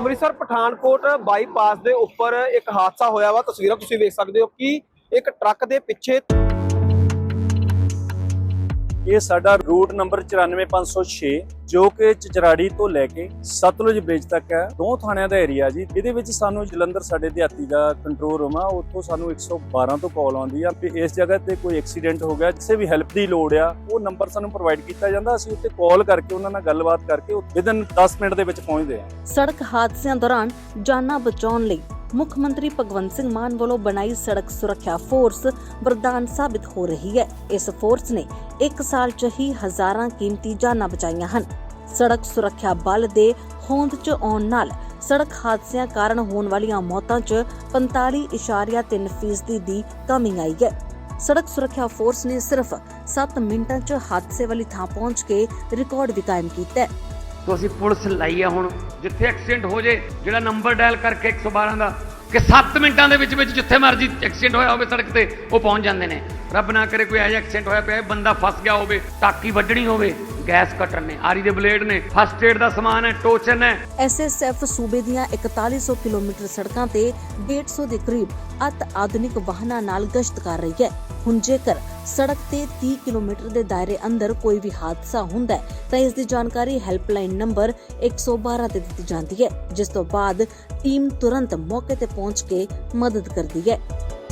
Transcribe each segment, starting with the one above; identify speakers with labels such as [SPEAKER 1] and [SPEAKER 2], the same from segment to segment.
[SPEAKER 1] Amritsar Pathankot bypass ਦੇ ਉੱਪਰ ਇੱਕ ਹਾਦਸਾ ਹੋਇਆ ਵਾ। ਤਸਵੀਰਾਂ ਤੁਸੀਂ ਵੇਖ ਸਕਦੇ ਹੋ ਕਿ ਇੱਕ ਟਰੱਕ ਦੇ ਪਿੱਛੇ
[SPEAKER 2] ਇਹ ਸਾਡਾ ਰੂਟ ਨੰਬਰ 94506 ਜੋ ਕਿ ਚਚਰਾੜੀ ਤੋਂ ਲੈ ਕੇ ਸਤਲੁਜ ਬ੍ਰਿਜ ਤੱਕ ਹੈ। ਦੋ ਥਾਣਿਆਂ ਦਾ ਏਰੀਆ ਜੀ। ਇਹਦੇ ਵਿੱਚ ਸਾਨੂੰ ਜਲੰਧਰ ਸਾਡੇ ਦਿਹਾਤੀ ਦਾ ਕੰਟਰੋਲ ਰੂਮ ਆ, ਉੱਥੋਂ ਸਾਨੂੰ 112 ਤੋਂ ਕਾਲ ਆਉਂਦੀ ਆ ਕਿ ਇਸ ਜਗ੍ਹਾ ਤੇ ਕੋਈ ਐਕਸੀਡੈਂਟ ਹੋ ਗਿਆ, ਕਿਸੇ ਵੀ ਹੈਲਪ ਦੀ ਲੋੜ ਆ। ਉਹ ਨੰਬਰ ਸਾਨੂੰ ਪ੍ਰੋਵਾਈਡ ਕੀਤਾ ਜਾਂਦਾ, ਅਸੀਂ ਉੱਤੇ ਕਾਲ ਕਰਕੇ ਉਹਨਾਂ ਨਾਲ ਗੱਲਬਾਤ ਕਰਕੇ ਵਿਦਨ 10 ਮਿੰਟ ਦੇ ਵਿੱਚ ਪਹੁੰਚਦੇ ਆ।
[SPEAKER 3] ਸੜਕ ਹਾਦਸਿਆਂ ਦੌਰਾਨ ਜਾਨਾਂ ਬਚਾਉਣ ਲਈ ਮੁੱਖ ਮੰਤਰੀ ਭਗਵੰਤ ਸਿੰਘ ਮਾਨ ਵੱਲੋਂ ਬਣਾਈ ਸੜਕ ਸੁਰੱਖਿਆ ਫੋਰਸ ਵਰਦਾਨ ਸਾਬਿਤ ਹੋ ਰਹੀ ਹੈ। ਇਸ ਫੋਰਸ ਨੇ 1 ਸਾਲ 'ਚ ਹੀ ਹਜ਼ਾਰਾਂ ਕੀਮਤੀ ਜਾਨਾਂ ਬਚਾਈਆਂ ਹਨ। ਸੜਕ ਸੁਰੱਖਿਆ ਬਲ ਦੇ ਹੋਂਦ 'ਚ ਆਉਣ ਨਾਲ ਸੜਕ ਹਾਦਸਿਆਂ ਕਾਰਨ ਹੋਣ ਵਾਲੀਆਂ ਮੌਤਾਂ 'ਚ 45.3% ਦੀ ਕਮੀ ਆਈ ਹੈ। ਸੜਕ ਸੁਰੱਖਿਆ ਫੋਰਸ ਨੇ ਸਿਰਫ 7 ਮਿੰਟਾਂ 'ਚ ਹਾਦਸੇ ਵਾਲੀ ਥਾਂ ਪਹੁੰਚ ਕੇ ਰਿਕਾਰਡ ਵੀ ਕਾਇਮ ਕੀਤਾ ਹੈ।
[SPEAKER 4] तो ਅਸੀਂ ਪੁਲਿਸ ਲਾਈ ਆ ਹੁਣ ਜਿੱਥੇ ਐਕਸੀਡੈਂਟ ਹੋ ਜੇ ਜਿਹੜਾ ਨੰਬਰ ਡਾਇਲ ਕਰਕੇ 112 ਦਾ ਕਿ 7 ਮਿੰਟਾਂ ਦੇ ਵਿੱਚ ਜਿੱਥੇ ਮਰਜ਼ੀ ਐਕਸੀਡੈਂਟ ਹੋਇਆ ਹੋਵੇ ਸੜਕ ਤੇ ਉਹ ਪਹੁੰਚ ਜਾਂਦੇ ਨੇ। ਰੱਬ ਨਾ ਕਰੇ ਕੋਈ ਐਜਾ ਐਕਸੀਡੈਂਟ ਹੋਇਆ ਪਿਆ ਬੰਦਾ ਫਸ ਗਿਆ ਹੋਵੇ, ਟਾਕੀ ਵੱਢਣੀ ਹੋਵੇ, ਗੈਸ ਕਟਰ ਨੇ, ਆਰੀ ਦੇ ਬਲੇਡ ਨੇ, ਫਸਟ ਏਡ ਦਾ ਸਮਾਨ ਹੈ, ਟੋਚਨ ਹੈ।
[SPEAKER 3] ਐਸਐਸਐਫ ਸੂਬੇ ਦੀਆਂ 4100 ਕਿਲੋਮੀਟਰ ਸੜਕਾਂ ਤੇ 150 ਦੇ ਕਰੀਬ ਅਤ ਆਧੁਨਿਕ ਵਾਹਨਾਂ ਨਾਲ ਗਸ਼ਤ ਕਰ ਰਹੀ ਹੈ। ਹੁਣ ਜੇਕਰ ਸੜਕ ਤੇ 30 ਕਿਲੋਮੀਟਰ ਦੇ ਦਾਇਰੇ ਅੰਦਰ ਕੋਈ ਵੀ ਹਾਦਸਾ ਹੁੰਦਾ ਹੈ ਤਾਂ ਇਸ ਦੀ ਜਾਣਕਾਰੀ ਹੈਲਪਲਾਈਨ ਨੰਬਰ 112 ਤੇ ਦਿੱਤੀ ਜਾਂਦੀ ਹੈ, ਜਿਸ ਤੋਂ ਬਾਅਦ ਟੀਮ ਤੁਰੰਤ ਮੌਕੇ ਤੇ ਪਹੁੰਚ ਕੇ ਮਦਦ ਕਰਦੀ ਹੈ।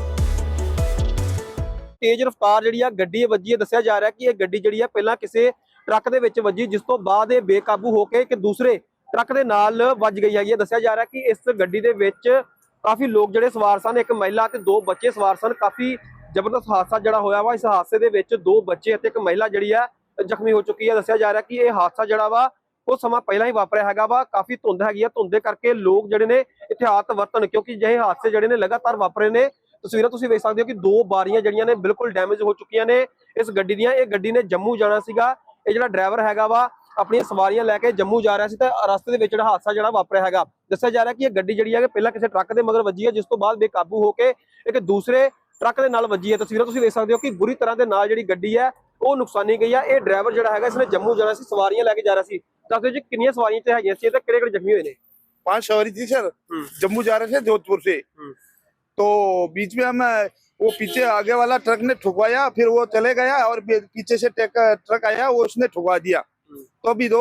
[SPEAKER 1] ਤੇਜ਼ ਰਫ਼ਤਾਰ ਜਿਹੜੀ ਆ ਗੱਡੀ ਵੱਜੀ ਹੈ। ਦੱਸਿਆ ਜਾ ਰਿਹਾ ਕਿ ਇਹ ਗੱਡੀ ਜਿਹੜੀ ਆ ਪਹਿਲਾਂ ਕਿਸੇ ਟਰੱਕ ਦੇ ਵਿੱਚ ਵੱਜੀ, ਜਿਸ ਤੋਂ ਬਾਅਦ ਇਹ ਬੇਕਾਬੂ ਹੋ ਕੇ ਇੱਕ ਦੂਸਰੇ ਟਰੱਕ ਦੇ ਨਾਲ ਵੱਜ ਗਈ ਹੈਗੀ। ਦੱਸਿਆ ਜਾ ਰਿਹਾ ਕਿ ਇਸ ਗੱਡੀ ਦੇ ਵਿੱਚ ਕਾਫੀ ਲੋਕ ਜਿਹੜੇ ਸਵਾਰ ਸਨ, ਇੱਕ ਮਹਿਲਾ ਤੇ 2 ਬੱਚੇ ਸਵਾਰ ਸਨ। ਕਾਫੀ ਜ਼ਬਰਦਸਤ ਹਾਦਸਾ ਜਿਹੜਾ ਹੋਇਆ ਵਾ। ਇਸ ਹਾਦਸੇ ਦੇ ਵਿੱਚ 2 ਬੱਚੇ ਅਤੇ ਇੱਕ ਮਹਿਲਾ ਜਿਹੜੀ ਆ ਜ਼ਖਮੀ ਹੋ ਚੁੱਕੀ ਹੈ। ਦੱਸਿਆ ਜਾ ਰਿਹਾ ਕਿ ਇਹ ਹਾਦਸਾ ਜਿਹੜਾ ਵਾ ਉਹ ਸਮਾਂ ਪਹਿਲਾਂ ਹੀ ਵਾਪਰਿਆ ਹੈਗਾ ਵਾ। ਕਾਫੀ ਧੁੰਦ ਹੈਗੀ ਆ, ਧੁੰਦ ਦੇ ਕਰਕੇ ਲੋਕ ਜਿਹੜੇ ਨੇ ਇhtiyat ਵਰਤਣ, ਕਿਉਂਕਿ ਜਿਹੇ ਹਾਦਸੇ ਜਿਹੜੇ ਨੇ ਲਗਾਤਾਰ ਵਾਪਰੇ ਨੇ। ਤਸਵੀਰਾਂ ਤੁਸੀਂ ਵੇਖ ਸਕਦੇ ਹੋ ਕਿ 2 ਬਾਰੀਆਂ ਜਿਹੜੀਆਂ ਨੇ ਬਿਲਕੁਲ ਡੈਮੇਜ ਹੋ ਚੁੱਕੀਆਂ ਨੇ ਇਸ ਗੱਡੀ ਦੀਆਂ। ਇਹ ਗੱਡੀ ਨੇ ਜੰਮੂ ਜਾਣਾ ਸੀਗਾ। ਇਹ ਜਿਹੜਾ ਡਰਾਈਵਰ ਹੈਗਾ ਵਾ ਆਪਣੀਆਂ ਸਵਾਰੀਆਂ ਲੈ ਕੇ ਜੰਮੂ ਜਾ ਰਿਹਾ ਸੀ ਤਾਂ ਰਸਤੇ ਦੇ ਵਿੱਚ ਜਿਹੜਾ ਹਾਦਸਾ ਜਿਹੜਾ ਵਾਪਰਿਆ ਹੈਗਾ। ਦੱਸਿਆ ਜਾ ਰਿਹਾ ਕਿ ਇਹ ਗੱਡੀ ਜਿਹੜੀ ਹੈ ਪਹਿਲਾਂ ਕਿਸੇ ਟਰੱਕ ਦੇ ਮਗਰ ਵੱਜੀ ਹੈ, ਜਿਸ ਤੋਂ ਬਾਅਦ ਬੇਕਾਬੂ ਹੋ ਕੇ ਇੱਕ ਦੂਸਰੇ ਟਰੱਕ ਦੇ ਨਾਲ ਵੱਜੀ ਹੈ। ਤਸਵੀਰਾਂ ਤੁਸੀਂ ਵੇਖ ਸਕਦੇ ਹੋ ਕਿ ਬੁਰੀ ਤਰ੍ਹਾਂ ਦੇ ਨਾਲ ਜਿਹੜੀ ਗੱਡੀ ਹੈ ਉਹ ਨੁਕਸਾਨੀ ਗਈ ਹੈ। ਇਹ ਡਰਾਈਵਰ ਜਿਹੜਾ ਹੈਗਾ ਇਸਨੇ ਜੰਮੂ ਜਾਣਾ ਸੀ, ਸਵਾਰੀਆਂ ਲੈ ਕੇ ਜਾ ਰਿਹਾ ਸੀ। ਦੱਸ ਦਿਓ ਜੀ ਕਿੰਨੀਆਂ ਸਵਾਰੀਆਂ ਤੇ ਹੈਗੀਆਂ ਸੀ ਤੇ ਕਿਹੜੇ ਜ਼ਖਮੀ ਹੋਏ ਨੇ?
[SPEAKER 5] 5 सवारी थी सर। जम्मू जा रहे थे जोधपुर से, तो बीच में हम वो पीछे आगे वाला ट्रक ने ठुकवाया, फिर वो चले गया और पीछे से ट्रक आया, वो उसने ठुकवा दिया। तो अभी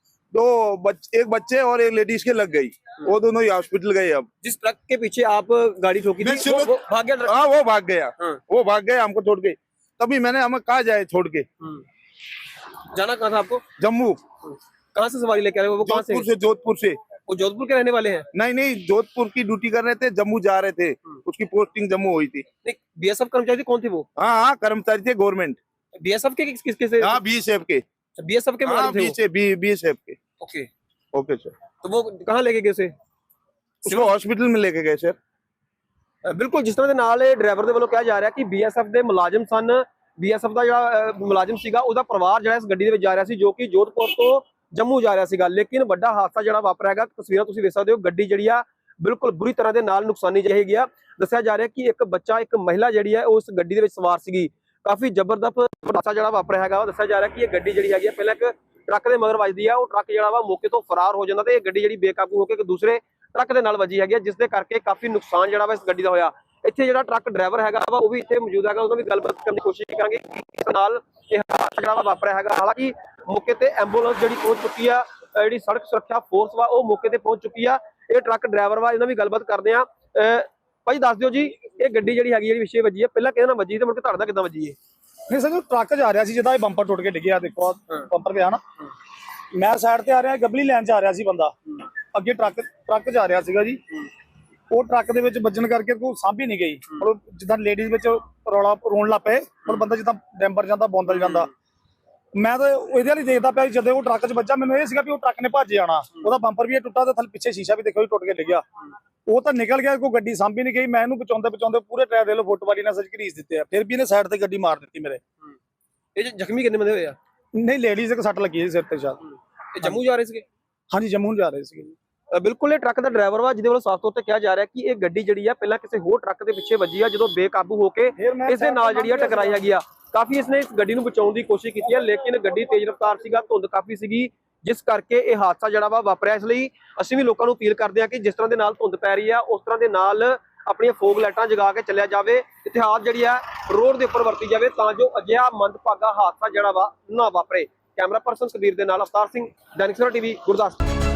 [SPEAKER 5] एक बच्चे और एक लेडीज के लग गई, वो दोनों ही हॉस्पिटल गए। अब
[SPEAKER 1] जिस ट्रक के पीछे आप गाड़ी ठोकी थी वो भाग गया?
[SPEAKER 5] हाँ वो भाग गया, वो भाग गया हमको छोड़ के। तभी मैंने हमें कहा जाए छोड़ के।
[SPEAKER 1] जाना कहाँ था आपको?
[SPEAKER 5] जम्मू।
[SPEAKER 1] कहाँ से सवारी लेके आ रहे हो? वो कहाँ से?
[SPEAKER 5] जोधपुर से।
[SPEAKER 1] वो जोधपुर के रहने वाले हैं?
[SPEAKER 5] नहीं, जोधपुर की ड्यूटी कर रहे थे, जम्मू जा रहे थे। उसकी पोस्टिंग जम्मू हुई थी।
[SPEAKER 1] बीएसएफ कर्मचारी कौन थे वो?
[SPEAKER 5] हाँ कर्मचारी थे गवर्नमेंट।
[SPEAKER 1] बीएसएफ के किसके से?
[SPEAKER 5] हाँ बीएसएफ के।
[SPEAKER 1] बीएसएफ के मुलाजिम थे वो?
[SPEAKER 5] बीएसएफ के।
[SPEAKER 1] Okay
[SPEAKER 5] okay sir.
[SPEAKER 1] तो वो कहाँ लेके गए उसे?
[SPEAKER 5] उसको हॉस्पिटल में लेके गए सर।
[SPEAKER 1] बिल्कुल जिस तरह ਦੇ ਨਾਲ ਇਹ ਡਰਾਈਵਰ ਦੇ ਵੱਲੋਂ ਕਿਹਾ ਜਾ ਰਿਹਾ ਕਿ ਬੀਐਸਐਫ ਦੇ ਮੁਲਾਜ਼ਮ ਸਨ। ਬੀਐਸਐਫ ਦਾ ਜਿਹੜਾ ਮੁਲਾਜ਼ਮ ਸੀਗਾ ਉਹਦਾ ਪਰਿਵਾਰ ਜਿਹੜਾ ਇਸ ਗੱਡੀ ਦੇ ਵਿੱਚ ਜਾ ਰਿਹਾ ਸੀ, ਜੋ ਕਿ ਜੋਧਪੁਰ ਤੋਂ ਜੰਮੂ ਜਾ ਰਿਹਾ ਸੀਗਾ। ਲੇਕਿਨ ਵੱਡਾ ਹਾਦਸਾ ਜਿਹੜਾ ਵਾਪਰਿਆ ਹੈਗਾ। ਤਸਵੀਰਾਂ ਤੁਸੀਂ ਵੇਖ ਸਕਦੇ ਹੋ, ਗੱਡੀ ਜਿਹੜੀ ਆ ਬਿਲਕੁਲ ਬੁਰੀ ਤਰ੍ਹਾਂ ਦੇ ਨਾਲ ਨੁਕਸਾਨੀ ਜਾਏਗੀ ਆ। ਦੱਸਿਆ ਜਾ ਰਿਹਾ ਕਿ ਇੱਕ ਬੱਚਾ ਇੱਕ ਮਹਿਲਾ ਜਿਹੜੀ ਹੈ ਉਸ ਗੱਡੀ ਦੇ ਵਿੱਚ ਸਵਾਰ ਸੀਗੀ। ਕਾਫੀ ਜ਼ਬਰਦਸਤ ਹਾਦਸਾ ਜਿਹੜਾ ਵਾਪਰਿਆ ਹੈਗਾ। ਦੱਸਿਆ ਜਾ ਰਿਹਾ ਕਿ ਇਹ ਗੱਡੀ ਜਿਹੜੀ ਹੈਗੀ ਪਹਿਲਾਂ ਇੱਕ ਟਰੱਕ ਦੇ ਮਗਰ ਵੱਜਦੀ ਆ, ਉਹ ਟਰੱਕ ਜਿਹੜਾ ਵਾ ਮੌਕੇ ਤੋਂ ਫਰਾਰ ਹੋ ਜਾਂਦਾ ਤੇ ਇਹ ਗੱਡੀ ਜਿਹੜੀ ਬੇਕਾਬੂ ਹੋ ਕੇ ਇੱਕ ਦੂਸਰੇ ਟਰੱਕ ਦੇ ਨਾਲ ਵੱਜੀ ਹੈਗੀ, ਜਿਸ ਦੇ ਕਰਕੇ ਕਾਫੀ ਨੁਕਸਾਨ ਜਿਹੜਾ ਵਾ ਇਸ ਗੱਡੀ ਦਾ ਹੋਇਆ। ਇੱਥੇ ਜਿਹੜਾ ਟਰੱਕ ਡਰਾਈਵਰ ਹੈਗਾ ਵਾ ਉਹ ਵੀ ਇੱਥੇ ਮੌਜੂਦ ਹੈਗਾ, ਉਹਦਾ ਵੀ ਗੱਲਬਾਤ ਕਰਨ ਦੀ ਕੋਸ਼ਿਸ਼ ਕਰਾਂਗੇ ਇਸ ਨਾਲ ਇਹ ਹਾਦਸਾ ਜਿਹੜਾ ਵਾਪਰਿਆ ਹੈਗਾ। ਹਾਲਾਂਕਿ ਮੌਕੇ ਤੇ ਐਂਬੂਲੈਂਸ ਜਿਹੜੀ ਪਹੁੰਚ ਚੁੱਕੀ ਆ, ਜਿਹੜੀ ਸੜਕ ਸੁਰੱਖਿਆ ਫੋਰਸ ਵਾ ਉਹ ਮੌਕੇ ਤੇ ਪਹੁੰਚ ਚੁੱਕੀ ਆ। ਇਹ ਟਰੱਕ ਡਰਾਈਵਰ ਵਾ, ਇਹਨਾਂ ਵੀ ਗੱਲਬਾਤ ਕਰਦੇ ਆ। ਭਾਈ ਦੱਸ ਦਿਓ ਜੀ, ਇਹ ਗੱਡੀ ਜਿਹੜੀ ਹੈਗੀ ਜਿਹੜੀ ਵਿਸ਼ੇ ਵੱਜੀ ਹੈ ਪਹਿਲਾਂ ਕਿਹਦੇ ਨਾਲ ਵੱਜੀ ਤੇ ਮੁੜ ਕੇ ਤੁਹਾਡਾ ਕਿੱਦਾਂ ਵੱਜੀ ਹੈ?
[SPEAKER 6] ਨਹੀਂ ਸਰ, ਜੋ ਟਰੱਕ ਜਾ ਰਿਹਾ ਸੀ, ਜਿਹਦਾ ਇਹ ਬੰਪਰ ਟੁੱਟ ਕੇ ਡਿੱਗਿਆ, ਦੇਖੋ ਬੰਪਰ ਪਿਆ ਨਾ। ਮੈਂ ਸਾਈਡ ਤੇ ਆ ਰਿਹਾ, ਗਬਲੀ ਲੈਣ ਚ ਆ ਰਿਹਾ ਸੀ ਬੰਦਾ, ਅੱਗੇ ਟਰੱਕ ਜਾ ਰਿਹਾ ਸੀਗਾ ਜੀ। ਉਹ ਟਰੱਕ ਦੇ ਵਿੱਚ ਵੱਜਣ ਕਰਕੇ ਕੋਈ ਸਾਂਭੀ ਨਹੀਂ ਗਈ। ਔਰ ਜਿੱਦਾਂ ਲੇਡੀਜ਼ ਵਿੱਚ ਰੌਲਾ ਰੋਣ ਲੱਗ ਪਏ, ਔਰ ਬੰਦਾ ਜਿੱਦਾਂ ਡੈਂਬਰ ਜਾਂਦਾ ਬੌਂਦਲ ਜਾਂਦਾ। ਮੈਂ ਤਾਂ ਇਹਦੇ ਵਾਲੀ ਦੇਖਦਾ ਪਿਆ, ਜਦੋਂ ਉਹ ਟਰੱਕ 'ਚ ਵੱਜਾ ਮੈਨੂੰ ਇਹ ਸੀਗਾ ਵੀ ਉਹ ਟਰੱਕ ਨੇ ਭੱਜ ਜਾਣਾ। ਉਹਦਾ ਬੰਪਰ ਵੀ ਟੁੱਟਾ ਤੇ ਥੱਲੇ ਪਿੱਛੇ ਸ਼ੀਸ਼ਾ ਵੀ ਦੇਖੋ ਟੁੱਟ ਕੇ ਡਿੱਗਿਆ। ਉਹ ਤਾਂ ਨਿਕਲ ਗਿਆ, ਕੋਈ ਗੱਡੀ ਸਾਂਭੀ ਨਹੀਂ ਗਈ। ਮੈਂ ਇਹਨੂੰ ਬਚਾਉਂਦੇ ਪੂਰੇ ਟਾਇਰ ਦੇ ਲੋ ਫੁੱਟਵਾਲੀ ਨਾਲ ਸੱਜ ਘਰੀਸ ਦਿੱਤੇ ਆ। ਫਿਰ ਵੀ ਇਹਨੇ ਸਾਈਡ ਤੇ ਗੱਡੀ ਮਾਰ ਦਿੱਤੀ ਮੇਰੇ।
[SPEAKER 1] ਇਹ ਜ਼ਖਮੀ ਕਿੰਨੇ ਬੰਦੇ ਹੋਏ ਆ?
[SPEAKER 6] ਨਹੀਂ, ਲੇਡੀਜ਼ ਇੱਕ ਸੱਟ ਲੱਗੀ ਸੀ ਸਿਰ ਤੇ ਸ਼ਾਇਦ।
[SPEAKER 1] ਇਹ ਜੰਮੂ ਜਾ ਰਹੇ ਸੀਗੇ?
[SPEAKER 6] ਹਾਂਜੀ ਜੰਮੂ ਜਾ ਰਹੇ ਸੀਗੇ।
[SPEAKER 1] ਬਿਲਕੁਲ ਇਹ ਟਰੱਕ ਦਾ ਡਰਾਈਵਰ ਵਾ, ਜਿਹਦੇ ਵੱਲੋਂ ਸਾਫ਼ ਤੌਰ ਤੇ ਕਿਹਾ ਜਾ ਰਿਹਾ ਕਿ ਇਹ ਗੱਡੀ ਜਿਹੜੀ ਆ ਪਹਿਲਾਂ ਕਿਸੇ ਹੋਰ ਟਰੱਕ ਦੇ ਪਿੱਛੇ ਵੱਜੀ ਆ, ਜਦੋਂ ਬੇਕਾਬੂ ਹੋ ਕੇ ਇਸ ਦੇ ਨਾਲ ਜਿਹੜੀ ਆ ਟਕਰਾਈ ਹੈਗੀ ਆ। ਕਾਫੀ ਇਸਨੇ ਇਸ ਗੱਡੀ ਨੂੰ ਬਚਾਉਣ ਦੀ ਕੋਸ਼ਿਸ਼ ਕੀਤੀ ਹੈ, ਲੇਕਿਨ ਗੱਡੀ ਤੇਜ਼ ਰਫ਼ਤਾਰ ਸੀਗਾ, ਧੁੰਦ ਕਾਫੀ ਸੀਗੀ, ਜਿਸ ਕਰਕੇ ਇਹ ਹਾਦਸਾ ਜਿਹੜਾ ਵਾ ਵਾਪਰਿਆ। ਇਸ ਲਈ ਅਸੀਂ ਵੀ ਲੋਕਾਂ ਨੂੰ ਅਪੀਲ ਕਰਦੇ ਹਾਂ ਕਿ ਜਿਸ ਤਰ੍ਹਾਂ ਦੇ ਨਾਲ ਧੁੰਦ ਪੈ ਰਹੀ ਆ ਉਸ ਤਰ੍ਹਾਂ ਦੇ ਨਾਲ ਆਪਣੀਆਂ ਫੋਗ ਲਾਈਟਾਂ ਜਗਾ ਕੇ ਚੱਲਿਆ ਜਾਵੇ, ਇਤਿਹਾਸ ਜਿਹੜੀ ਆ ਰੋਡ ਦੇ ਉੱਪਰ ਵਰਤੀ ਜਾਵੇ ਤਾਂ ਜੋ ਅਜਿਹਾ ਮੰਦਭਾਗਾ ਹਾਦਸਾ ਜਿਹੜਾ ਵਾ ਨਾ ਵਾਪਰੇ। ਕੈਮਰਾ ਪਰਸਨ ਕਬੀਰ ਦੇ ਨਾਲ ਅਵਤਾਰ ਸਿੰਘ, ਦੈਨਿਕ ਸਵੇਰਾ ਟੀਵੀ, ਗੁਰਦਾਸਪੁਰ।